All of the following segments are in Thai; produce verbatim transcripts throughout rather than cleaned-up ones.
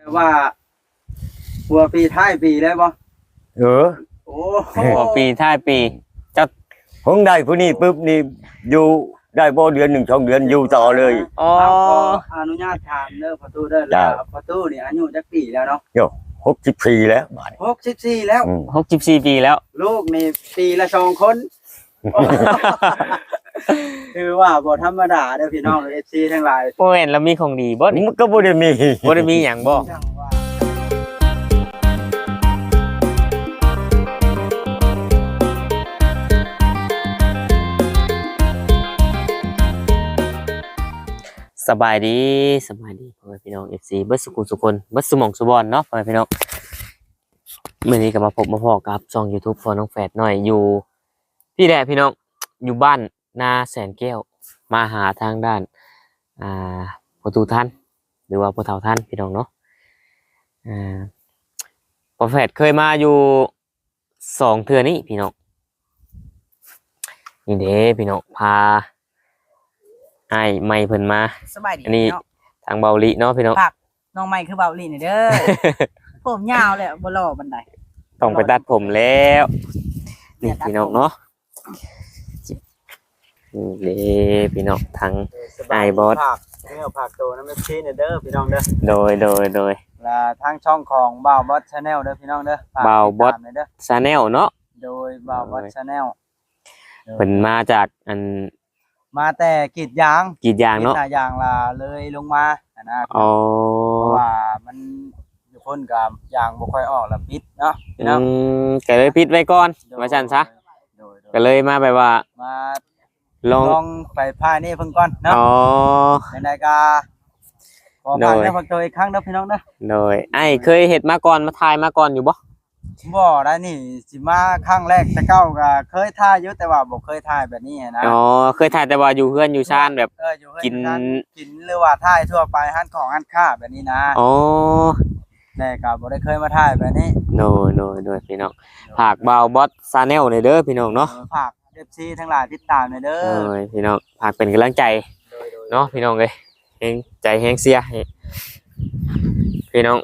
ว่าหัวปีท้ายปีเลยบ่เออโอ้หัวปีท้ายปีเจ้าคงได้ผู้นี้ปุ๊บนี่อยู่ได้บ่เดือนหนึ่งสองเดือนอยู่ต่อเลยอ๋ออนุญาตถามเด้อประตูเด้อแล้วประตูนี่อายุจักปีแล้วเนาะโยหกสิบสี่แล้วหกสิบสี่แล้วหกสิบสี่ปีแล้วลูกนี่ปีละสองคนคือว่าบ่ธรรมดาเด้อพี่น้อง เอฟ ซี ทั้งหลายบ่เห็นแล้วมีของดีบ่มันก็บ่ได้มีบ่ได้มีหยังบ่สบายดีสบายดีพ่อแม่พี่น้อง เอฟ ซี เบิดสุขุสุคนเบิดสมองสุบอนเนาะพ่อแม่พี่น้องมื้อนี้ก็มาพบมาพ้อกับช่อง YouTube ของน้องแฝดน้อยอยู่ที่แหละพี่น้องอยู่บ้านนาแสนแก้วมาหาทางด้านอ่าพ่อตู่ท่านหรือว่าพ่อเฒ่าท่านพี่น้องเนาะอ่าพ่อแฝดเคยมาอยู่สองเทื่อนี้พี่น้องนี่เด้พี่น้องพาไอ้ไม่เพิ่นมาสบายดีอันนี้ทางเบาลิเนาะพี่น้องฝากน้องใหม่คือเบาลินี่เด้อ ผมยาวเลยบ่หล่อบันไดต้องไปตัดผมแล้วนี่พี่น้องเนาะนี่พี่น้องทางไอ้บอสเนื้อผักโตน้ำมันชีเด้อพี่น้องเด้อโดยโดยโดยและทางช่องของบ่าวบอส Channel เด้อพี่น้องเด้อบ่าวบอส Channel เนาะโดยบ่าวบอส Channel เพิ่นมาจากอันมาแต่กรีดยางกรีดยางเนาะกรีดยางล่ะเลยลงมานะอ๋อเพราะว่ามันอยู่คนกับยางบ่ค่อยออกแล้วปิดเนาะพี่น้องอืมก็เลยปิดไว้ก่อนว่าซั่นซะก็เลยมาแบบว่ามาลองลองไปพายนี่เพิ่นก่อนเนาะอ๋อในๆก็ขอผ่านได้พักตัวอีกครั้งเด้อพี่น้องเด้อโดยไอ้เคยเฮ็ดมาก่อนมาถ่ายมาก่อนอยู่บ่บ่ได้นี่สิมาครั้งแรกแต่เก้าก็เคยถ่ายอยู่แต่ว่าบ่เคยถ่ายแบบนี้นะอ๋อเคยถ่ายแต่ว่าอยู่เฮือนอยู่ชานแบบกินกินหรือว่าถ่ายทั่วไปร้านของร้านค้าแบบนี้นะอ๋อแต่ก็บ่ได้เคยมาถ่ายแบบนี้โนๆๆพี่น้องฝากบ่าวบอส Channel หน่อยเด้อพี่น้องเนาะฝาก เอฟ ซี ทั้งหลายติดตามหน่อยเด้อโอ้ยพี่น้องฝากเป็นกำลังใจเนาะพี่น้องเอ้ยแฮงใจแฮงเสียให้พี่น้อง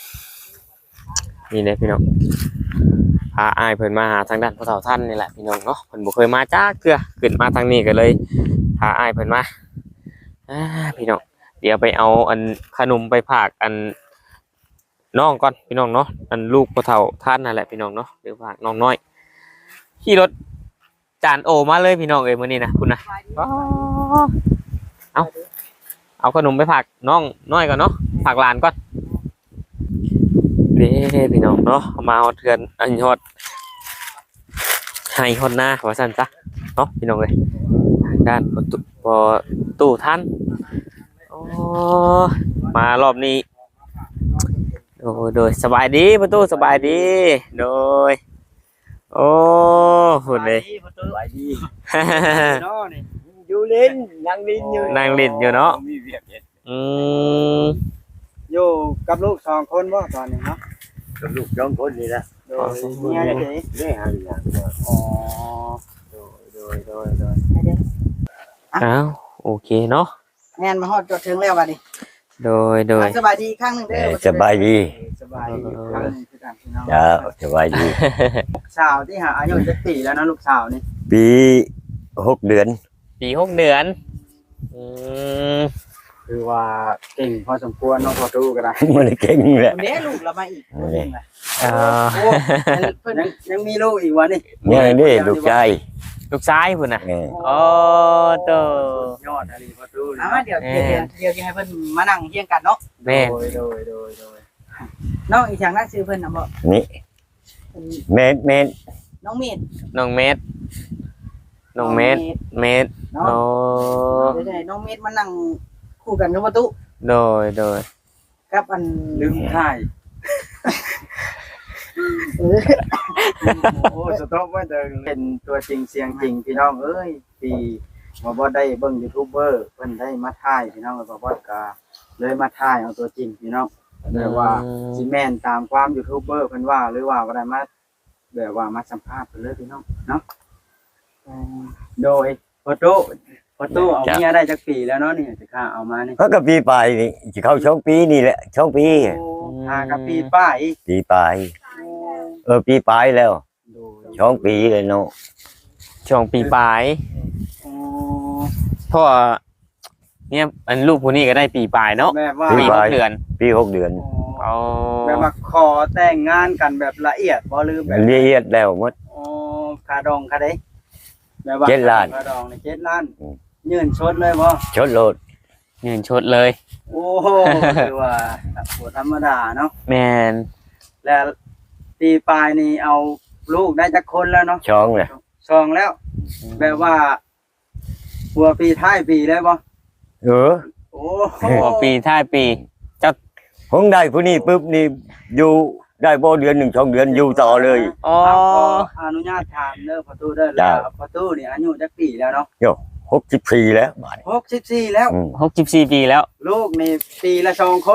นี่เด้พี่น้องพาอ้ายเพิ่นมาหาทางด้านพ่อเฒ่าท่านนี่แหละพี่น้องเนาะเพิ่นบ่เคยมาจักเทื่อขึ้นมาทางนี้ก็เลยพาอ้ายเพิ่นมาอ่าพี่น้องเดี๋ยวไปเอาอันขนมไปฝากอันน้องก่อนพี่น้องเนาะอันลูกพ่อเฒ่าท่านนั่นแหละพี่น้องเนาะเดี๋ยวฝากน้องน้อยขี่รถจานโอมาเลยพี่น้องเอ้ยมื้อนี้นะคุณนะเอาเอาขนมไปฝากน้องน้อยก่อนเนาะฝากหลานก่อนเด้พี่น้องเนาะมาฮอดเทือนอันฮอดให้ฮอดหน้าว่าซั่นซะเนาะพี่น้องเอ้ยด้านประตูตู้ท่านโอ้มารอบนี้โอ้โดยสบายดีประตูสบายดีโดยโอ้หุ่นเลยสบายดีเนาะนี่อยู่เล่นนั่งลิ้นอยู่นั่งลิ้นอยู่เนาะอืมอยู่กับลูกสองคนบ่ตอนนี้เนาะกับลูกสองคนนี่นะโดยเมียจังได๋แม่หาอย่างอ๋อโดยโดยโดยโดยอ้าวโอเคเนาะแม่นมาฮอดจดถึงแล้วบัดนี้โดยโดยสบายดีครั้งนึงเด้อสบายดีสบายดีครั้งนึงคือกันพี่น้องจ้าสบายดีลูกสาวที่หาอายุจักปีแล้วนะลูกสาวนี่ปีหกเดือนปีหกเดือนอืมคือว่าเก่งพอสมควรน้องพอดูก็ได้มันเก่งแหละเด้ลูกเรามาอีกคนนึงล่ะเออเพิ่นยังมีลูกอีกวะนี่ยังนี่ลูกชายลูกชายพุ่นน่ะโอ้โตยอดอะไรพอดูเอามาเดี๋ยวเดี๋ยวเดี๋ยวให้เพิ่นมานั่งเฮียงกันเนาะแม่โดยโดยโดยโดยน้องอีกอย่างนั้นชื่อเพิ่นน่ะบ่นี่เมดเมดน้องเมดน้องเมดน้องเมดเมดโอ้เดี๋ยวๆน้องเมดมานั่งคู่กันกับประตูโดยโดยกับอันลืมถ่ายโอ้สต๊อกไว้เด้อเป็นตัวจริงเสียงจริงพี่น้องเอ้ยที่บ่บ่ได้เบิ่งยูทูบเบอร์เพิ่นได้มาถ่ายพี่น้องบ่บ่ก็เลยมาถ่ายเอาตัวจริงพี่น้องแต่ว่าสิแม่นตามความยูทูบเบอร์เพิ่นว่าหรือว่าบ่ได้มาแบบว่ามาสัมภาษณ์เพิ่นเลยพี่น้องเนาะโดยโฟโต้พอตู้เอาเมียได้จักปีแล้วเนาะนี่สิข้าเอามานี่เขาก็ปีปลายนี่สิเข้าช่องปีนี่แหละช่องปีโอ้หากับปีป้ายอีกปีปลายเออปีปลายแล้วช่องปีเลยเนาะช่วงปีปลายโอ้เพราะว่าเนี่ยอันลูกผู้นี้ก็ได้ปีปลายเนาะแบบว่าปีหกเดือนปีหกเดือนอ๋อแบบว่าขอแต่งงานกันแบบละเอียดบ่ลืมแบบละเอียดแล้วหมดโอ้คาดองคาได้แบบว่าเจ็ดล้านคาดองนี่เจ็ดล้านอืมยื่นชดเลยบ่ชดโลดเงินชดเลยโอ้โหคือว่าบ่ธรรมดาเนาะแมนแล้วปีปลายนี่เอาลูกได้จักคนแล้วเนาะช่องเลยสองแล้ว แบบว่าหัวปีท้ายปีเลยบ่เออโอ้หัวปีท้ายปีผมได้ผู้นี้ปุ๊บนี่อยู่ได้บ่เดือนหนึ่งช่องเดือนอยู่ต่อเลยอ๋อขออนุญาตถามเด้อประตูเด้อแล้วประตูนี่อายุจักปีแล้วเนาะหกสิบสี่แล้วบาทหกสิบสี่แล้วอืมหกสิบสี่ปีแล้วลูกนี่ปีละสองคน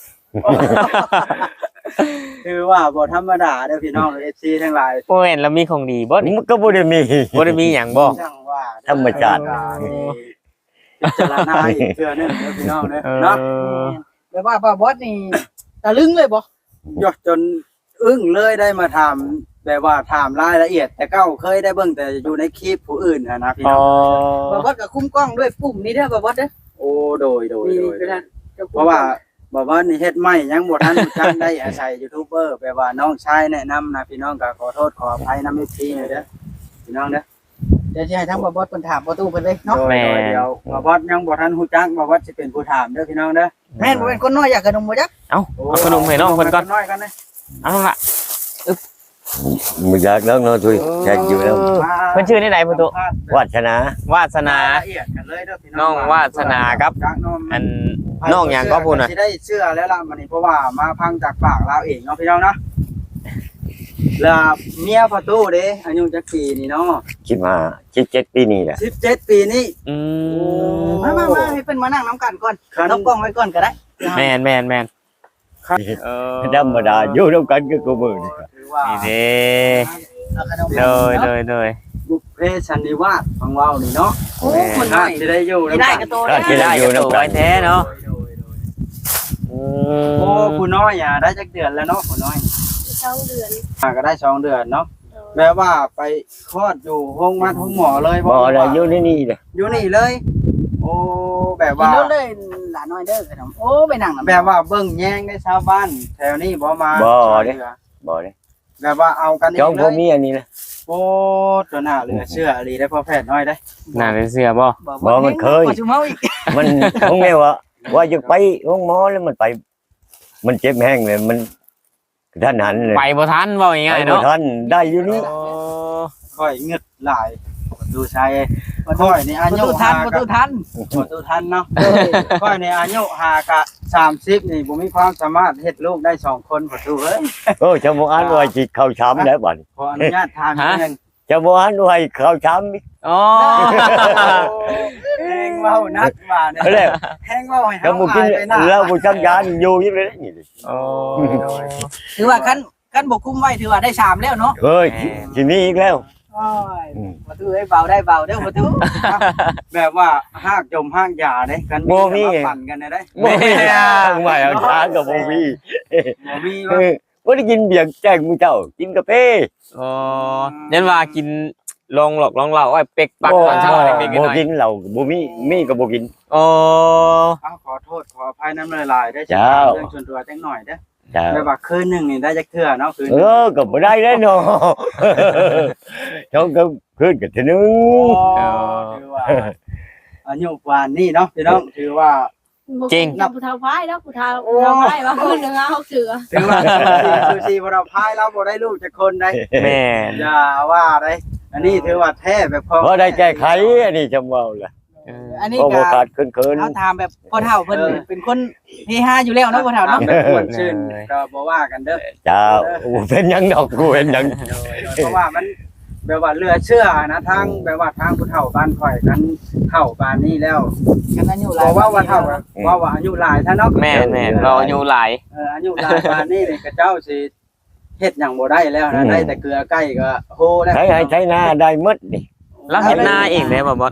คือว่าบ่ธรรมดาเด้อพี่น้องเอฟซีทั้งหลายโอ้เห็นแล้วมีของดีบ่นี่มันก็บ่ได้มีบ่ได้มีหยังบ่ช่างว่าธรรมชาติพิจารณาอีกเทื่อนึงเด้อพี่น้องเด้อเอเนาะอแบบว่าบ่บอสนี่ตะลึงเลยบ่ยอดจนอึ้งเลยได้มาถามแบบว่าถามรายละเอียด แต่เก้าเคยได้เบิ่งแต่อยู่ในคลิปผู้อื่นอะนะพี่อ๋น้อองบ่บอสก็คุ้มกล้องด้วยปุ่มนี้เด้อบ่บอสเด้อโอ้โดยโดยนี่โดยคือนั่นเพราะว่าบอกว่านี่เฮ็ดไม่ยังบ่ทันรู้จักได้อาศัยยูทูบเบอร์แปลว่าน้องชายแนะนำนะพี่น้องก็ขอโทษขออภัยนำ เอฟ ซี หน่อยเด้อพี่น้องเด้อเดี๋ยวสิให้ทั้งบ่บอสเพิ่นถามประตูเพิ่นเลยเนาะโดยโดยเดี๋ยวบ่บอสยังบ่ทันรู้จักบ่บอสสิเป็นผู้ถามเด้อพี่น้องเด้อแม่นบ่เป็นคนน้อยอยากขนมบ่จักเอาเอาขนมให้น้องเพิ่นก่อนน้อยกันนะเอาล่ะมันอยากแล้วเนาะทุยแค่อยู่แล้วเพิ่นชื่อในใดประตูวาสนาวาสนาละเอียดกันเลยเด้อพี่น้องน้องวาสนาครับจากน้องอันน้องหยังก็พูดน่ะสิได้เชื่อแล้วล่ะมื้อนี้เพราะว่ามาพังจากปากเราเองเนาะพี่น้องเนาะแล้วเมียประตูเด้อายุจักปีนี่เนาะคิดมาคิดเจ็ดปีนี่แหละสิบเจ็ดปีนี่อืมมามามาให้เพิ่นมานั่งน้ำกันก่อนคันต้องกล้องไว้ก่อนก็ได้แมนแมนแมนเออธรรมดาอยู่ร่วมกันก็กูมือนี่ถือว่านี่เด้เอาขนมเลยเลยเลยบุพเพสันนิวาสของเรานี่เนาะโอ้คนน้อยจะได้อยู่ไม่ได้กระโตถ้าได้จะได้อยู่ตัวน้ำกัไว้นแท้เนาะโอ้คุณน้อยอ่ะได้จักเดือนแล้วเนาะคุณน้อยสองเดือนอ่ะก็ได้สองเดือนเนาะแปลว่าไปคลอดอยู่ห้องมัดห้องหมอเลยบ่ได้อยู่ในนี่เลยอยู่นี่เลย โอ้แบบกินว่ารถเลยหลานน้อยเด้อขนมโอ้ไปนั่งน้ำแบบว่าเบิ่งแย่งได้ชาวบ้านแถวนี้บ่มาบ่เด้บ่ได้แบบว่าเอากันเอช่องงพ่อเลยมีอันนี้นะโอ้ตัวหน้าเหลือเชื่ออีหลีได้พอแพทย์น้อยได้หน้าเป็นเสื้อบ่บ่มันเคยบ่ชุมเฮาอีกมันคงแม่ว่าว่าจะไปห้องหมอแล้วมันไป มันเจ็บแห้งเลยมันท่านหันเลยไปบ่ทันเว้าไปง่ายๆบ่เนาะทันได้อยู่นี่โอ้ค่อยเงึดหลายดูชายค่อยนี่อาประยุตูทันหาประกัตูบทันประตูทันเนาะค่อยนี่อายุหากะสามสิบนี่บ่มีความสามารถเฮ็ดลูกได้สองคนประตูเอ้ยโอ้ชาวบ้านว่าจิเข้าช้ำแล้วบัดขออนุญาตถามนิดนึงชาวบ้านว่าเข้าช้ำอีกอ๋อแห้งเว้านักว่าเนี่ยแล้วแห้งเว้าให้ก็เฮาบ่กินอายไปหน้าแล้วบ่ชักยานอยู่อยู่เลยนี่โอ้ถือว่าคันคันบ่คุมไว้ถือว่าได้สามแล้วเนาะเฮ้ยทีนี้อีกแล้วโอ้ยประตูให้เบาได้เบาเด้อประตูแบบว่าหากจมหากหยาเด้กันบ่มีแต่ว่าปั่นกันได้เด้บ่มีทางใหม่เอาช้างกับบ่มีบ่มีเอว่าอบ่ได้กินเบียร์แจ้งมึงเจ้า กินกาแฟอ๋อยันว่ากินลองหลอกลองเหล่าไอ้เป็กปักตอนเช้าเด็กๆหบ่น่อยกินเหล้าบ่มีมีก็บ่กินอ๋ออ้าวขอโทษขออภัยน้ำลายๆได้เจ้าเรื่องส่วนตัวจังหน่อยเด้อจ้าแบบว่าคืนหนึงนี่ได้จักเทื่อเนาะคืนหเอนึ่งอก็บ่ได้แล้วเนาะ ช่องก็ขึ้นกันทีนึงโอ้ถือว่าอายุปานนี้เนาะพี่น้องถือว่าจริงนับผู้เฒ่าพายแล้วผู้เฒ่าผู้เฒ่าพายว่าคนหนึงเอาเสือถือว่าซูซีบ่เราพายเราบ่ได้ลูกจักคนได้แม่นอย่าว่าได้อันนี้ถือว่าแท้แบบพอพอได้แก้ไขอันนี้จำเว้าล่ะเอออันนี้พอก็บ่ขาดเคินเขาถามแบบพ่อเฒ่าเพิ่นเป็นคนเฮฮาอยู่แล้วเนาะพ่อเฒ่าถามเนาะแบบม่วนชื่นก็บ่ว่ากันเด้อๆจ้าโอ้เป็นหยังดอกกูเป็นหยังเพราะว่ามันแบบว่าเหลือเชื่อนะทางแบบว่าทางผู้เฒ่าบ้านข่อยกันเฒ่าปานนี้แล้วกันอายุหบลาอย กว่าว่าเฒ่าอะว่าว่าอายุหลายท่านเนาะแม่นแม่นเราอายุหลายเอออายุหลายปานนี้นี่ก็เจ้าสิเฮ็ดหยังบ่ได้แล้วนะได้แต่เกลือใกล้ก็โหแล้วใช้ให้ใช้หน้าได้หมดนี่แล้วเห็นหน้าเองได้บ่บอส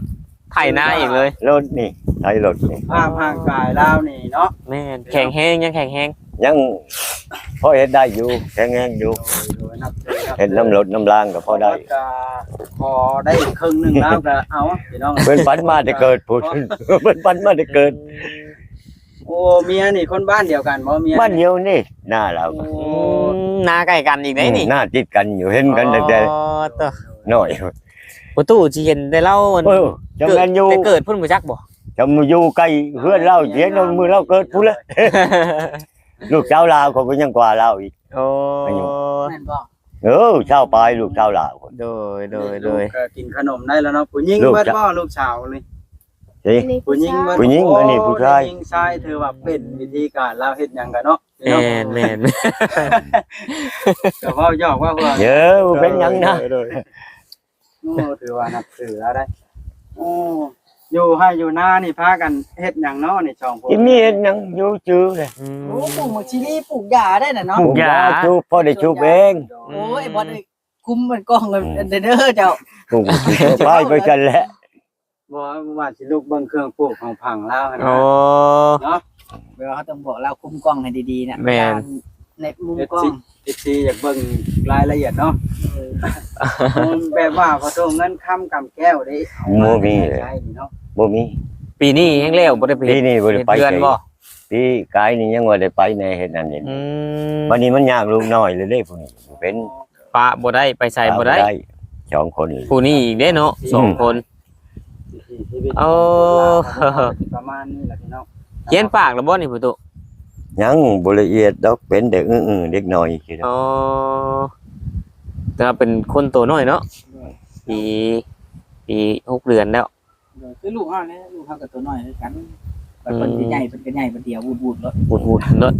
ไถนาอีกเลยรถนี่ไทยรถนี่ภาพร่างกายเรานี่เนาะแม่นแข็งแห้งยังแข็งแห้งยังพอเฮ็ดได้อยู่แข็งแรงอยู่โดยนับถือครับเฮ็ดน้ำรถน้ำรางก็พอได้ก็พอได้ครึ่งหนึงแล้วก็เอาพี่น้องเพิ่นปันมาได้เกิดพูด เพิ่นปันมาได้เกิดโอ้เมียนี่คนบ้านเดียวกันบ่เมียบ้านเดียวนี่หน้าเราโอ้อืมนาใกล้กันอีกได้นี่หน้าติดกันอยู่เห็นกันตั้งแต่อ๋อตัวน้อยประตูสิเห็นได้เล่ามันเออจำแม่นอยู่แต่เกิดพุ่นบ่จักบ่จำอยู่ใกล้เพื่อนเราเสียนมือเราเกิดพูดเลย ลูกสาวลาวเขาก็ยังกว่าเราอีกโอ้แม่นบ่เออชาวปลายลูกชาวลาวโดยโดยโดยลูกก็กินขนมได้แล้วเนาะผู้หญิงลูกเบิดจะบ่ลูกสาวนี่สิผู้หญิงเบิดผู้หญิงอันนี้ผู้ชายผู้หญิงชายถือว่าเป็นวิธีการเราเฮ็ดหยังกันเนาะพี่แม่น้องนแม่นก็เว้าหยอกว่าเพิ่นเยอะเป็นหยังนะโอ้ถือว่านับถือแล้วได้โอ้อยู่ให้อยู่หน้านี่พากันเฮ็ดหยังเนาะนี่ช่องผมที่มีเห็นหยังอยู่ชื่อเลยอืมโอ้ปลูกหมกชิลีปลูกหญ้าได้น่ะเนาะปลูกหญ้าชูพ่อได้ชูเองโอ้ยบอลเลยคุ้มมันกล้องเลยเด้อเจ้าปลูกป้ายไปกันแหละบ่ว่าสิลูกเบิ่งเครื่องปลูกของผังแล้วหั่นโอ้นะเนาะเวลาเขาต้องบอกเราคุ้มกล้องให้ดีๆนะแม่นในมุมเอฟกล้อซีงเอฟซีอยากเบิ่งรายละเอียดเนาะแบบว่าพอโทรเงินค้ำกำแก้วได้เอาโมมีเลยใช่นี่เนาะบ่มีปีนี้ยังแล้วบ่ได้ไปปีนี้บ่ได้ไปเดือนบ่ปีกายนี่ยังบ่ได้ไปในเฮ็ดนั่นนี่อืมวันนี้มันยากลูกน้อยเลยเด้ผู้นี้เป็นปะบ่ได้ไปใส่บ่ได้สองคนเลยผู้นี้อีกเด้เนาะสองคนชีวิตเอาประมาณนี้แหละพี่น้องเขียนปากแล้วบ่นี่ประตูยังบ่ละเอียดดอกเป็นเด็กอื้อๆเด็กน้อยคิดอ๋อแต่ว่าเป็นคนตัวน้อยเนาะปีปีหกเดือนแล้วคือลูกเฮาเนี่ยลูกเฮากับตัวน้อยคือกันแต่คนที่ใหญ่เป็นก็ใหญ่เป็นเดียววูดๆแล้วบูดบูดเนาะ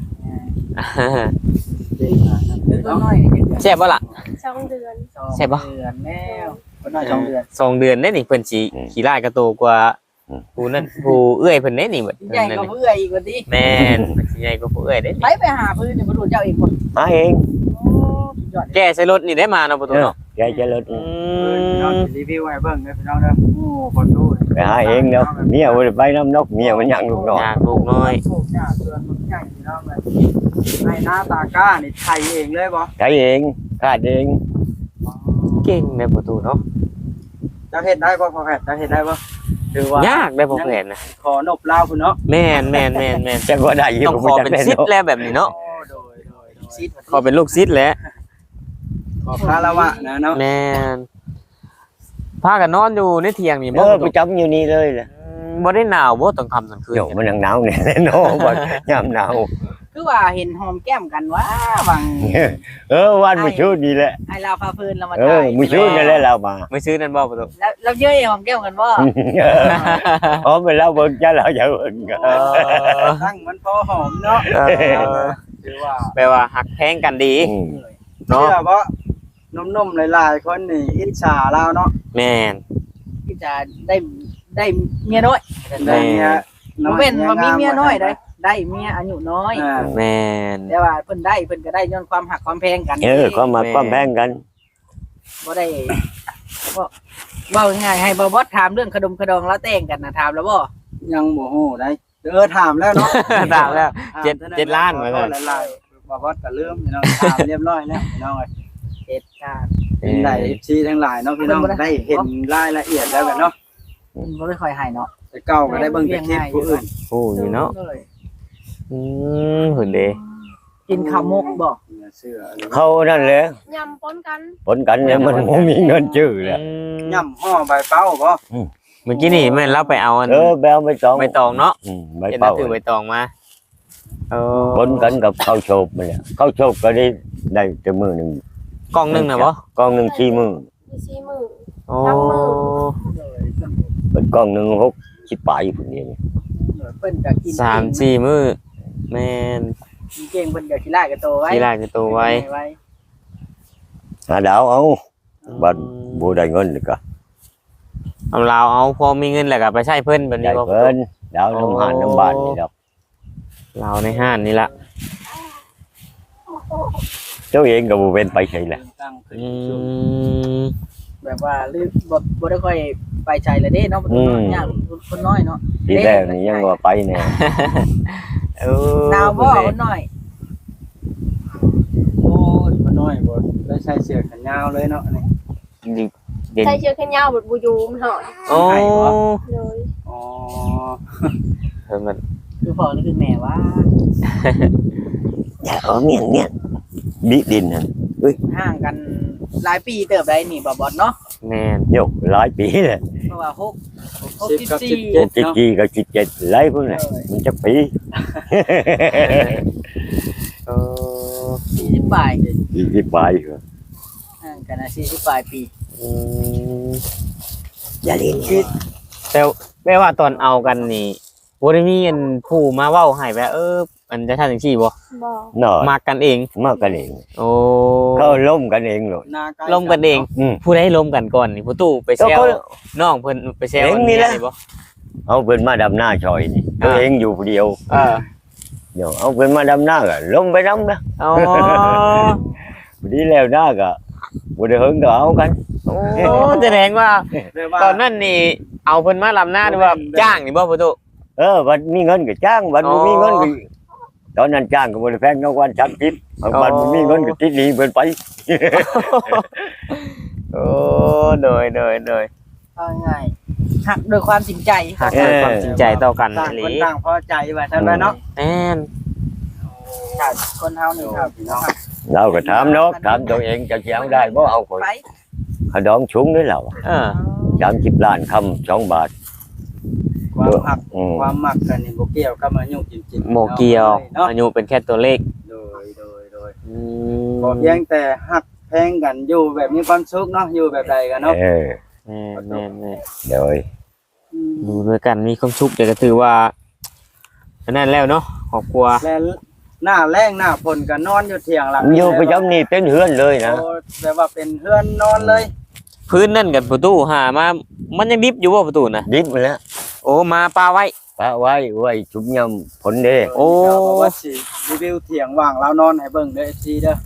ตัวน้อยนี่ยังแซ่บบ่ล่ะสองเดือนใช่ปะเดือนแล้วคนน้อยสองเดือนสองเดือนได้นี่เพิ่นสิขี้ลายกระโตกว่าผู้นั้นผู้เอื้อยเพิ่นได้นี่เบิดใหญ่กว่าเพื่ออีกว่าดิแม่นเพิ่นสิใหญ่กว่าผู้เอื้อยได้ไปไปหาพื้นเนี่ยบ่รู้เจ้าเองบ่หาเองโอ้ยอดแกใส่รถนี่ได้มาเนาะประตูเนาะแกจะลดอืพี่น้องมรีวิวให้เบิ่งเด้อพี่น้องเด้อโอ้คนดูไปหาเองเนาะเมียบ่ได้ไปน้ำนกเมียมันยังลูกน้อยอยากลูกน้อยปลูกหญ้าเตือนมันใหญ่พี่น้องเลยให้หน้าตาก้านี่ไทยเองเลยบ่ใช้เองคาดเองเก่งในประตูเนาะเจ้าเฮ็ดได้บ่พ่อแพทย์เจ้าเฮ็ดได้บ่ถือว่ายากได้บ่แผนนะขอนบลาวพุ่นเนาะแม่นแม่นแม่นแม่นจักว่าได้อยู่ต้องขอเป็นซิดแล้วแบบนี้เนาะโอ้โดยโดยโดยซิดขอเป็นลูกซิดแล้วขอคารวะนะเนาะแม่นพากันนอนอยู่ในเถียงนี่เอบ่อประไปตูจำอยู่นี่เลยแหละบ่ได้หนาวบ่ตอนค่ำตอนคืนโยมันยังหนาวเนี่ยเนาะบ่ยามหนาวคือว่าเห็นหอมแก้มกันว่าวังเออวันมื้อชื่นนี่แหละให้เราพาพื้นเรามาเอถ่าอย มื้อชื่นนี่แหละเรามาไม่ซื้อนั่นบ่ประตูแล้วเราเยอะหอมแก้มกันว่าอ๋อไปเล่าเบิ่งจ้าเราอย่าเบิ่งกันเออตั้งมันพอหอมเนาะเออถือว่าแปลว่าหักแพงกันดีอืมเนาะเชื่อบ่นมๆหลายๆคนนี่อิจฉาเราเนาะแม่นที่จะได้ได้เมียน้อยได้เมียบ่แม่นว่ามีเมียน้อยได้ได้เมียอายุน้อยอ่าแม่นแต่ว่าเพิ่นได้เพิ่นก็ได้ย้อนความหักความแพงกันเออความมาความแพงกันบ่ได้บ่เว้าง่ายๆให้บ่บอสถามเรื่องขนมขดองแล้วแต่งกันน่ะถามแล้วบ่ยังบ่ฮู้ได้เออถามแล้วเนาะตามแล้วถมเจ็ดท่นั้นเจ็ดล้านขอมาโทเลยษหลายๆบ่บอสก็ลืมพี่น้องถามเรียบร้อยแล้วพี่น้องเอ้ยเหตุการณ์เป็นได้ เอฟ ซี ทั้งหลายเนาะพี่น้องได้เห็นรายละเอียดแล้วกันเนาะเพิ่นบ่ได้ค่อยให้เนาะแต่เก่าก็ได้เบิ่งแต่คลิปผู้อื่นโอ้ยเนาะอืมหุ่นเดกินข้าวมกบ่เนี่ยเสื้ออะไรเขานั่นแหละยำปนกันผลกันเนี่ยมันบ่มีเงินชื่อแหละย่ำห่อใบเป้าบ่เมื่อกี้นี่แม่นเราไปเอาอันเออแบวใบตองใบตองเนาะอืมใบเห็นเป้าถือใบตองมาเออผลกันกับข้าวโชบมันแหละข้าวโชบก็ได้ได้แต่มื้อหนึงกล่องหนึงน่ะบ่กล่องหนึงสี่มื้อมีสี่มือโอ้เป็นกล่องหนึงหกสิบปลายพุ่นนี่เพิ่นก็กินสามสี่มื้อแม่นกินเก่งเพิ่นก็ขี้ลายกับโตไว้ที่ลายจะตัวไว้หาดาวเอาบัดบ่ได้เงินนี่ก็เอาลาวเอาพอมีเงินแล้วก็ไปใช้เพิ่นแบบได้นี้บ่เพิ่นดาวน้ำหานน้ำบ้านนี่ดอกลาวในห้านนี่ล่ะเจ้าเองก็บ่เป็นไปใช่แหละตั้งขึ้นอืสูงมแบบว่าลืมบ่บ่ได้ค่อยไปใจเลยเด้เนาะคนน้อยยากคนน้อยเนาะทีแรกนี่ยังว่าไปแน่เออหนาวบ่คนน้อยโอ้ยมันน้อยบ่ได้ใส่เสื้อแขนยาวเลยเนาะนี่เด่นใส่เชือกแขนยาวบดบูยูมันหอยโอ้เลยอ๋อเพิ่นมันคือพ่อหรือคือแม่ว่าอย่าเอาเมียนเมียนดิดินนั่นห่างกันหลายปีเติบได้นี่บ่บอดเนาะแม่นโยหลายปีเลยเพราะว่าหกสิบกับสิบ 64 เจ็ดจิตเนาะจีกับจิตเจ็ดหลายคนน่ะมันจะปีเออสี่สิบปลายยี่สิบปลายเหรอห่างกันนะสี่สิบปลายปีอืมอย่าเล่นคือแต่แม่ว่าตอนเอากันนี่บ่ได้มีอันผู้มาเว้าให้ว่าเอออันจะทำจังซี่บ่บอกหน่อยมักกันเองมากกันเองโอ้เขาล้มกันเองเลยหน้าใกล้ล้มกันเองอืมผู้ใดล้มกันก่อนนี่ผู้ตู้ไปแซวน้องเพิ่นไปแซวเองนี่แหละอับ่เอาเพิ่นมาดำหน้าชอยนี่ตัวเองอยู่ผู้เดียวเออเดี๋ยวเอาเพิ่นมาดำหน้าก็ล้มไปน้ำนะอ๋อพอดีแล้วหน้าก็บ่ได้เฮิงก็เอากันโอ้แสดงว่าเรียกว่าตอนนั้นนี่เอาเพิ่นมาลำหน้าหรือว่าจ้างนี่บ่ผู้ตู้เออวันมีเงินก็จ้างวันบ่มีเงินก็ตอนนั้นจ้างก็บ่ได้แพงเท่าวันจักทิพย์วันบ่มีเงินก็ติดหนี้เพิ่นไปโอ้โดยโดยโดยเอาง่ายหักโดยความจริงใจหากเกิดความจริงใจต่อกันต่างหรืคนอต่างพอใจว่าซั่นแหละเนาะแม่นถ้าคนเฮานี่ครับพี่น้องเราก็ถามเนาะถามตัวเองจะสิเอาได้บ่เอาข่อยไปเขาดองชุ้งด้วยเราเออสามสิบล้านคำสองบาทความหักอืมความมักกันนี่บ่เกี่ยวกับอายุจริงๆโมเกียวเนาะอายุเป็นแค่ตัวเลขโดยโดยโดยอืมก็เพียงแต่หักแพงกันอยู่แบบมีความสุขเนาะอยู่แบบใดกันเนาะเออแม่นแม่นแม่นเดี๋ยวอยู่ด้วยกันมีความสุขเดี๋ยวก็ถือว่าอันนั้นแล้วเนาะครอบครัวและหน้าแรงหน้าฝนก็นอนอยู่เถียงหลังอยู่ประจำนี่เป็นเฮือนเลยนะโอ้แปลว่าเป็นเฮือนนอนเลยพื้นนั่นกันประตูหามามันยังดิบอยู่ว่าประตูนะดิบไปแล้วโอ้มาปลาไว้ปะไว้ไว้ชุบยำผลเด้โอ้เดี๋ยวบอกว่าสิรีวิวเถียงว่างเรานอนให้เบิ่งเด้อ เอฟ ซี เด้อ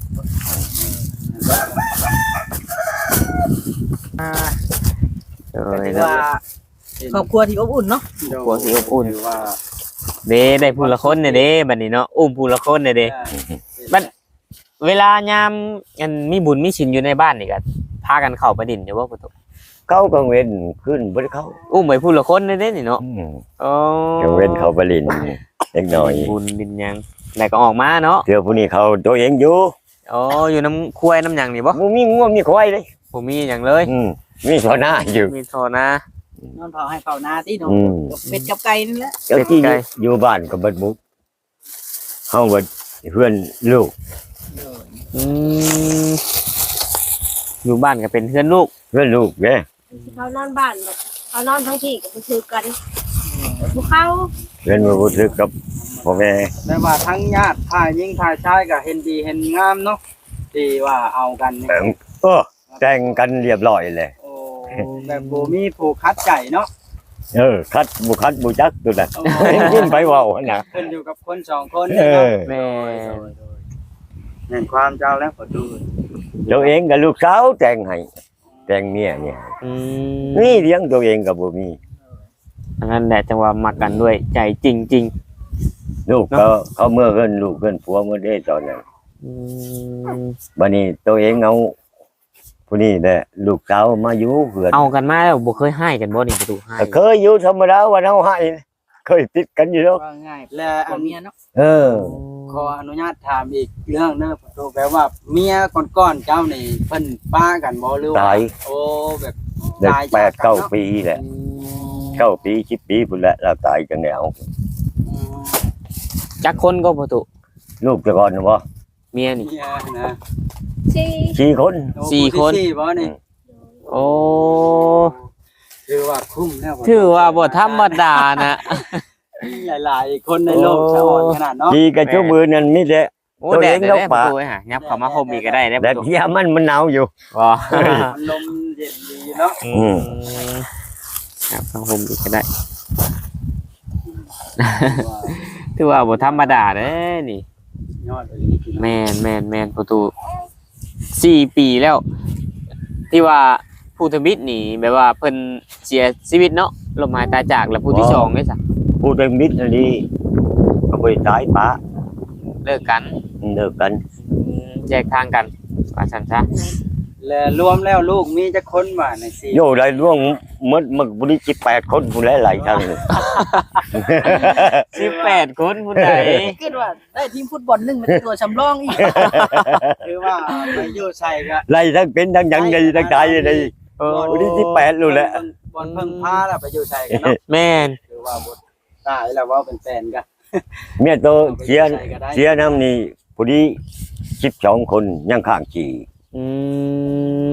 เออถือว่าครอบครัวที่อบอุ่นเนาะครัวสีอบอุ่นถืว่าเด้ได้ผู้ละคนเนี่ยเด้บัดนี้เนาะอุ้มผู้ละคนเนี่ยเด้ บัด เวลายามอันมีบุญมีชินอยู่ในบ้านนี่ก็พากันเข้าไปดินอยู่ว่าประตูเขากังเว้นขึ้นบ่ได้เข้าอุ้มไปผู้ละคนเนี่ยเด้นี่เนาะอืมอ๋อกังเว้นเขาไปลินเล็กน้อยบุญดินหยังแล้วก็ออกมาเนาะเดี๋ยวผู้นี้เขาตัวเองอยู่อ๋ออยู่น้ำคุ้ยน้ำหยังนี่บ่บ่มีงัวมีควายเลยผมมีหยังเลยอืมมีตัวหน้าอยู่มีโทนะนอนเผาให้เผานาที่เนาะอืมเป็ดกับไก่นี่แหละเจ้าที่อยู่บ้านก็เบิดมุกเฮาเบิดเพื่อนลูกอืมอยู่บ้านก็เป็นเพื่อนลูกเพื่อนลูกเด้เขานอนบ้านแบบเขานอนทั้งที่กับคือกันบุเข้าเพื่อนบ่รู้สึกกับพ่อแม่แปลว่าทั้งญาติถ่ายหญิงถ่ายชายก็เห็นดีเห็นงามเนาะที่ว่าเอากันนี่เอิ่มเออแต่งกันเรียบร้อยเลยโอ้แบบบ่มีผู้คัดใจเนาะเออคัดบุคัดบุจักตัวน่ะโอ้ขึ้นไปเว้าหั่นน่ะขึ้นอยู่กับคนสองคนเอนี่เนาะอแม่เห็นความเจ้าแล้วก็ดูตัวเองกับลูกสาวแต่งให้แต่งเมียเนี่ยอืมนี่เลี้ยงตัวเองก็บ่มีอันนั้นแหละจังว่ามักกันด้วยใจจริงลูกก็เขาเมื่อเพิ่นลูกเพิ่นผัวเมื่อได้ตอนนั้นๆอืมบัดนี้ตัวเองเอาผู้นี้แหละลูกสาวมาอยู่เพื่อนเอากันมาแล้วบ่เคยให้กันบ่นี่ประตูให้ก็เคยอยู่ธรรมดาวันเฮาให้เคยติดกันอยู่แล้วว่าง่ายและผัอัวน เมียเนาะเออขออนุญาตถามอีกเรื่องเนอะตัวแปลว่าเมียก่อนๆเจ้านี่เพิ่นป้ากันบ่หรือว่าตายโอ้แบบได้ตายแปดจากกันเก้าเนาะปีแหละเก้าปีสิบปีพุ่นแหละเราตายจังแล้วอืมจักคนก็ประตูลูกแต่ก่อนน่ะบ่เมียนี่เมียนะที่สี่คนโอ้สี่คนผู้ที่สี่บ่นี่โอ้ถือว่าคุ้มแล้วถือว่าบ่ธรรมดานะหลายๆคนในโลกโอ้สะอ่อนขนาดเนาะดีกับชั่วมือนั่นมีแต่โอ้ตัวแดเอดงได้นกปป่าระตูหายับเข้ามาห่มอีกก็ได้ได้ปแต่ระตูเที่ยมันมันหนาวอยู่บ่มันลมเย็นดีเนาะอืมยับเข้าห่มอีกก็ได้ ถือว่าบ่ธรรมดาเด้นี่ยอดเลยแม่นแม่นแม่นประตูสี่ปีแล้ว ที่ว่าผู้ทวิตนี่แบบว่าเพิ่นเสียชีวิตเนาะลมหายตายจากแล้วผู้ที่สองได้ซะผู้เป็นมิตรอันนี้ก็ไปตายปะเลิกกันเลิกกันอืมแยกทางกันว่าซั่นซะและรวมแล้วลูกมีจักคนบ่ในสี่โยได้ร่วงหมดมันบ่ได้สิบแปดคนผู้หลายๆทางเลยสิบแปดคนผู้ใดคิดว่าได้ทีมฟุตบอลหนึงเป็นตัวสำรองอีกคือว่าไปอยู่ใส่ก็ไล่ทั้งเป็นทั้งหยังได้ทั้งตายได้เออผู้ที่สิบแปดรู้แหละบอลเพิ่งพาแล้วไปอยู่ใส่กันเนาะแม่นคือว่าบ่ตายแล้วว่าเป็นแฟนกันเมียโตเสียเสียน้ำนี่ผู้ที่สิบสองคนยังข้างขี่อืม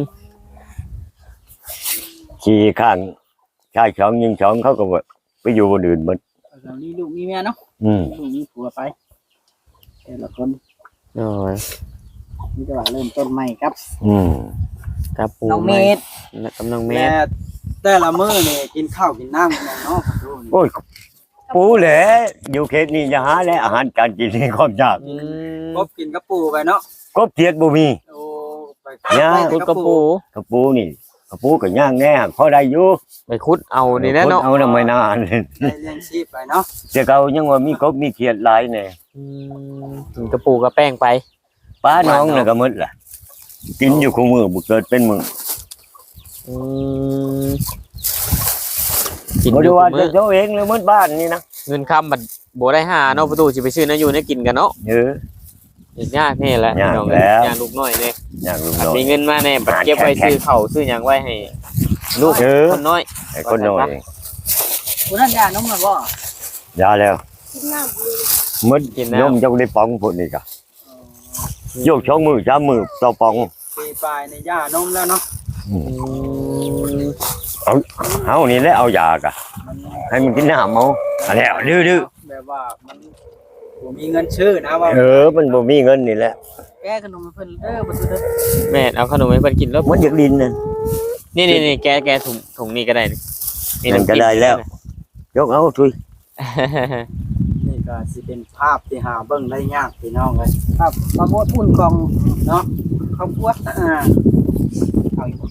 ขี่ข้างชายสองยิงสองเขาก็บ่ไปอยู่บนอื่นหมดเรามีลูกมีเมียเนาะอืมลูกมีผัวไปแต่ละคนโอ้ยมีแต่ว่าเริ่มต้นใหม่ครับอืมกับปูน้องเมธและกับน้องเมแม่ธแต่ละมื้อนี่กินข้าวกินน้ำกันเนาะดูนี่โอ้ยปูแหละอยู่เขตนี้จะหาและอาหารการกินนี่ความยากอืมกบกินกระปูไปเนาะกบเขียดบ่มีโอ้ไปย่าไปคุแต่ดกระปูกระปูนี่กระปูก็ย่างแน่พอได้อยู่ไปคุดเอานี่แหละเนาะเอานำไม่นานได้เลี้ยงชีพไปเนาะแต่เขายังว่ามีกบมีเขียดหลายแน่อืมกินกระปูกระแป้งไปป้าน้องน่ะก็หมดล่ะกินอยู่คู่มือบ่เกิดเป็นมืออืมกินบ่อได้ยู่ว่ามื้จะอเจ้าเองเลยหมดบ้านนี่นะเงินคำบัดบ่ได้หาเนาะประตูสิไปซื้อนะอยู่เนี่ยกินกันเนาะเอออีกยากนี่แหละยากน้องแล้วยากลูกน้อยเนี่ยอยากลุงน้อยมีเงินมาแน่บัดเก็บไว้ซื้อข้าวซื้อหยังไว้ให้ลูกเออคนน้อยไอ้คนน้อยคุณนั่นยาน้องมาบ่ยาแล้วกินน้ำเลยหมดยมจังได้ปองพุ่นนี่ก็โยกช่องมือสามมือต่อปองปีปลายในย่านมแล้วเนาะอืมเฮานี่แหละเอายากะมันให้มันกินน้ำเอาอันแล้วดื้อแบบว่ามันบ่มีเงินชื่อนะว่าๆเออมันบ่มีเงินนี่แหละแก้ขนมให้เพิ่นเด้อบ่ซื้อเด้อแม่เอาขนมให้เพิ่นกินแล้วมันอยากดินน่ะนี่นี่นี่แกแกถุงถุงนี้ก็ได้นี่นั่นก็ได้แล้ว ยกเอาทุยนี่ก็สิเป็นภาพที่หาเบิ่งได้ยากพี่น้องเอ้ยครับมาโมดอุ่นกองเนาะครอบครัวอ่าเอาอีกบ่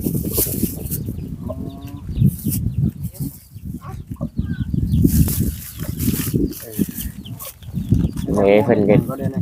เฮ้ยเพิ่นก็ก็ได้นะ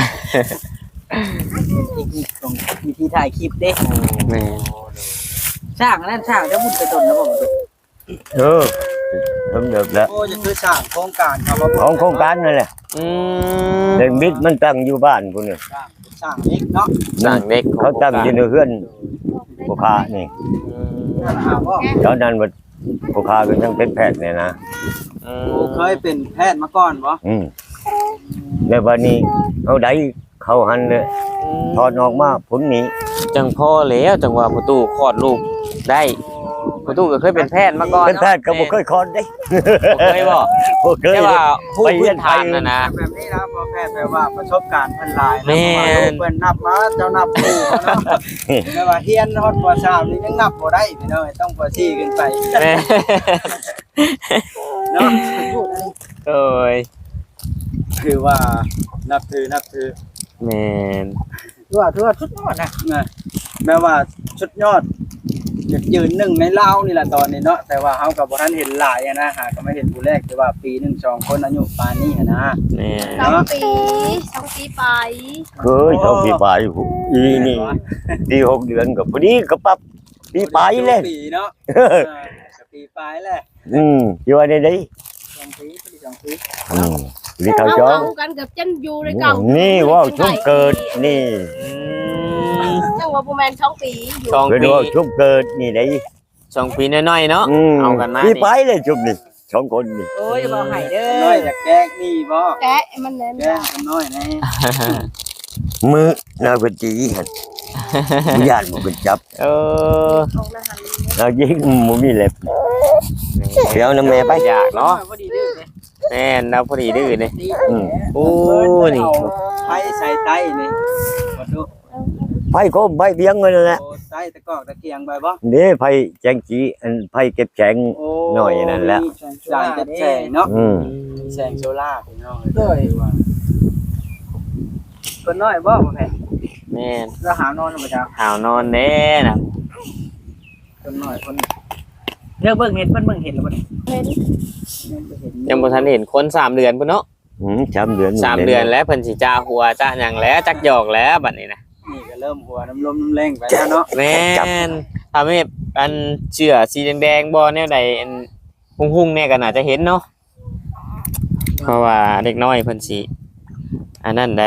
อีกอีกตรงวิธีถ่ายคลิปเด้แม่ช่างอันนั้นช่างจะมุ่นไปตนแล้วบ่เออทำเดือบแล้วโอ้จะคือสร้างโครงการครับว่าของโครงการนั่นแหละอืมเด็กมิดมันตั้งอยู่บ้านพุ่นนี่สร้างสร้างเล็กเนาะสร้างเด็กเขาตั้งอยู่ในเฮือนผู้ค้านี่ถามว่าตอนนั้นว่าผู้ค้าก็ยังเป็นแพทย์เนี่ยนะอืโอ้มเคยเป็นแพทย์มาก่อนบ่อืมแล้ววันนี้เอาได้เข้าหันเลยถอดออกมาผลนี้จังพ่อแล้วจังว่าประตูคลอดลูกได้ประตูก็เคยเป็นแพทย์มาก่อนเป็นแพทย์ก็บ่เคยคลอดได้บ่เคยบ่บ่เคยแต่ว่าผู้ไปเรีพื้ยนนฐานไปน่ะนะแบบนี้นะพอแพทย์แปลว่าประสบการณ์เพิ่นหลายนะแม่นเพราะว่าลูกเพิ่นนับมาเจ้านับปู่เนาะแต่ว่าเฮียนฮอดปสามนี่ยังนับบ่ได้พี่น้องต้องปสี่ขึ้นไปแม่เนาะโอ้ยคือว่านับถือนับถือแม่นทั่วทั่วชุดนอดนะนะแม้ว่าชุดยอดอยากยืนหนึ่งในลาวนี่แหละตอนนี้เนาะแต่ว่าเฮากับบ่ทันเห็นหลายอะนะหาก็ไม่เห็นผู้แรกแต่ว่าปีหนึ่งสองคนอายุปานนี้อะนะแม่นสองปีสองปีไปเคยเท่าปีปลายอีนี่ปีหกเดือนก็พอดีก็ปรับปีปลายเลยปีเนาะกับปีปลายแหละอืมอยู่ในนี้สองปีปีสองปีอืมปีเขาเอาจ้องเอากันกับจันอยู่ในเก่านี่ว่าวชุบเกิดนี่อืมจังว่าประมาณสองปีอยู่สองเป็นปีว่าวชุบเกิดนี่ได้สองปีน้อยๆเนาะอืมเอากันมาปีนี่ปลายเลยชุบนี่สองคนนี่โอ้ยบ่ให้เด้น้อยออยากแก้นี่บ่แกะมันเน้นแก้กันน้อยแน่มือนาเปจีหันญาติบ่เป็นจับเออของอาหารเรายิงบ่มีเล็บเดี๋ยวน้ำแม่ไปอยากเนาะพอดีเด้อเลยแม่นเราพอดีดื้อนี่ดีอืมโอ้นี่ไผใส่ไตนี่บ่ดูไผโคมไผเพียงนั่นแหละโอ้ไตตะกอกตะเกียงไปบ่นี่ไผแจงจีอันไผเก็บแจงโอ้หน่อยนั่นแหละจ่ายเป็นแสงเนาะอืมแสงโซล่าร์พี่น้องเด้อเพิ่นน้อยบ่บ่แพ้แม่นแล้วหานอนบ่จ้าหาวนอนแน่น่ะคนน้อยคนเลือกเบิ่งเห็ดเพิ่นเบิ่งเห็ดแล้วบ่นี่เห็นยังบ่เห็นยังบ่ทันเห็นคนสามเดือนพุ่นเนาะอืมสามเดือนสามเดือนแล้วเพิ่นสิจ้าหัวจ้าหยังแล้วจักหยอกแล้วบัดนี้นะนี่ก็เริ่มหัวน้ำลมน้ำแรงไปแล้วเนาะแม่นถ้าแม่อันเชื่อสีแดงๆบ่แนวใดอันหุ่งๆเนี่ยก็น่าจะเห็นเนาะเพราะว่าเด็กน้อยเพิ่นสิอันนั้นได้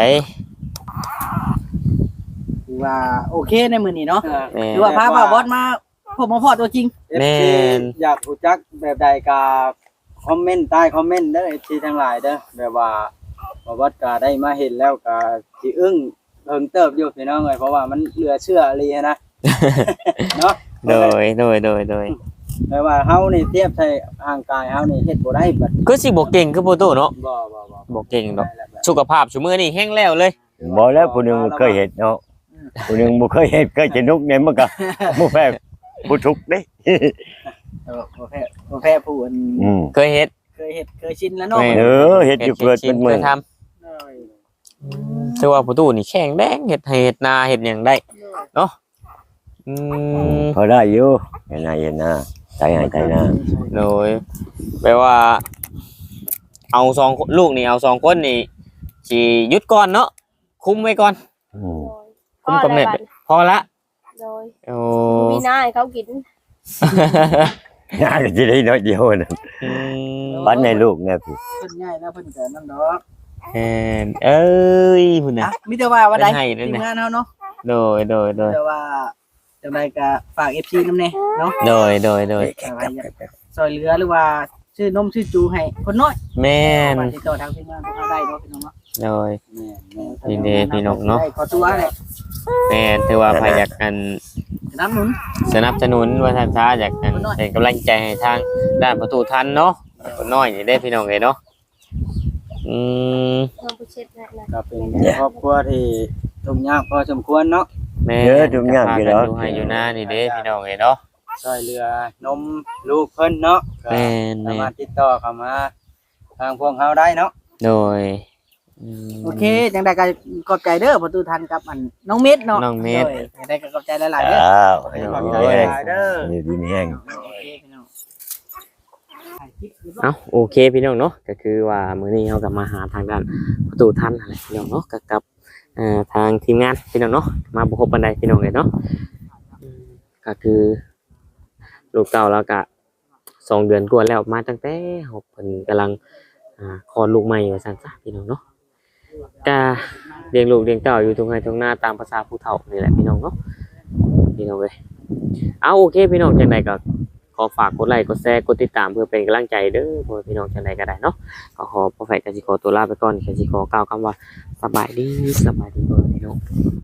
ถือว่าโอเคในมื้อนี้เนาะแม่ถือว่าพาบ่าวบอสมาพบมาพอตัวจริงแม่นอยากรู้จักแบบใดก็คอมเมนต์ใต้คอมเมนต์เด้อ เอฟ ซี ทั้งหลายเด้อแบบว่าบ่วัดก็ได้มาเห็นแล้วก็สิอึ้งเพิ่งเติบอยู่พี่น้องเอ้ยเพราะว่ามันเหลือเชื่ออีหลีนะ เนาะโดยโดยโดยโดยแปลว่าเฮานี่เทียบใส่ร่างกายเฮานี่เฮ็ดบ่ได้บัดคือสิบ่เก่งคือโปโตเนาะบ่บ่บ่บ่เก่งดอกสุขภาพซุมื้อนี้แห้งแล้วเลยบ่แล้วผู้หนึงเคยเห็นเนาะผู้หนึงบ่เคยเห็นเคยจะนุกเนี่ยมันก็บ่แพ้ผู้ทุกข์เด้เออบ่แพ้บ่แพ้ผู้อันอืมเคยเฮ็ดเคยเฮ็ดเคยชินแล้วเนาะแม่เออเฮ็ดอยู่เกิดเป็นมื้เคอยทำ แต่ว่าประตูนี่แข็งแดงเห็ดให้เห็ดนาเห็ดหยังได้เนาะอืมพอได้อยู่เห็นหน้าเห็นหน้าใจหายใจหน้าโดยแปลว่า เอาสองลูกนี่เอาสองคนนี่สิหยุดก่อนเนาะคุมไว้ก่อนอืมโดยคุมกำเนิดพอละโดยโอ้มีหน้าให้เขากินหน้าก็สิได้น้อยเดียวนั่นอืมปันให้ลูกแน่พี่เพิ่นง่ายแล้วเพิ่นก็นั่นดอกแอนเอ้ยพุ่นน่ะอ่ะมีแต่ว่าว่าใดเพิ่นให้นั่นทีมน่ะงานเฮาเนาะโดยโดยโดยแต่ว่าจังไดก็ฝาก เอฟ ซี นำแน่เนาะโดยโดยโดยซอยเหลือหรือว่าชื่อนมชื่อจูให้คนน้อยแม่นมาติดต่อทางทีมงานพวกเราได้เนาะพี่น้องเนาะโดยแม่แม่ยินดีพี่น้องเนาะได้ขอตัวแหละแม่นถือว่าใครอยากกันน้ำหนุนสนับสนุนว่าท่านช้าอยากกันเป็นกำลังใจให้ทางด้านประตูทันเนาะคนน้อยนี่ได้พี่น้องเลยเนาะอืมเพิ่มผู้เช็ดให้นะก็เป็นครอบครัวที่ทุกข์ยากพอสมควรเนาะแม่เยอะทุกอย่างอยู่แล้แล้ว วอยู่ให้อยู่หน้านี่เด้พี่น้องเลยเนาะช่วยเหลือนมลูกเพิ่นเนาะก็แม่นสาแม่มารถติดต่อเข้ามาทางพวกเฮาได้เนาะโดยอืมโอเคจังไดก็ขอบใจเด้อประตูทันกับอันน้องเม็ดเนาะน้องเม็ดโยจังไดก็ขอบใจหลายๆเด้ออ้าวขอบใจโอ้ยหลายเด้อนี่ดินแห้งโอเคพี่น้องถ่ายคลิปอยู่เอ้าโอเคพี่น้องเนาะก็คือว่ามื้อนี้เรากลับมาหาทางด้านประตูทันอะไรพี่น้องเนาะกับกับเอ่อทางทีมงานพี่น้องเนาะมาบุกบันไดพี่น้องเลยเนาะอืมก็คือลูกเก่าแล้วก็สองเดือนกว่าแล้วมาตั้งแต่เฮาเพิ่นกำลังอ่าคลอดลูกใหม่ว่าซั่นซะพี่น้องเนาะก็เลี้ยงลูกเลี้ยงเต้าอยู่ตรงไห้ตรงหน้าตามภาษาผู้เฒ่านี่แหละพี่น้องเนาะพี่น้องเว้ยเอาโอเคพี่น้องจังไดก็ขอฝากกดไลค์กดแชร์กดติดตามเพื่อเป็นกำลังใจเด้อพ่อพี่น้องจังไดก็ได้เนาะก็ขอพ่อแฝดกสิขอตัวลาไปก่อนกสิขอกล่าวคำว่าสบายดีสบายดีเด้อพี่น้อง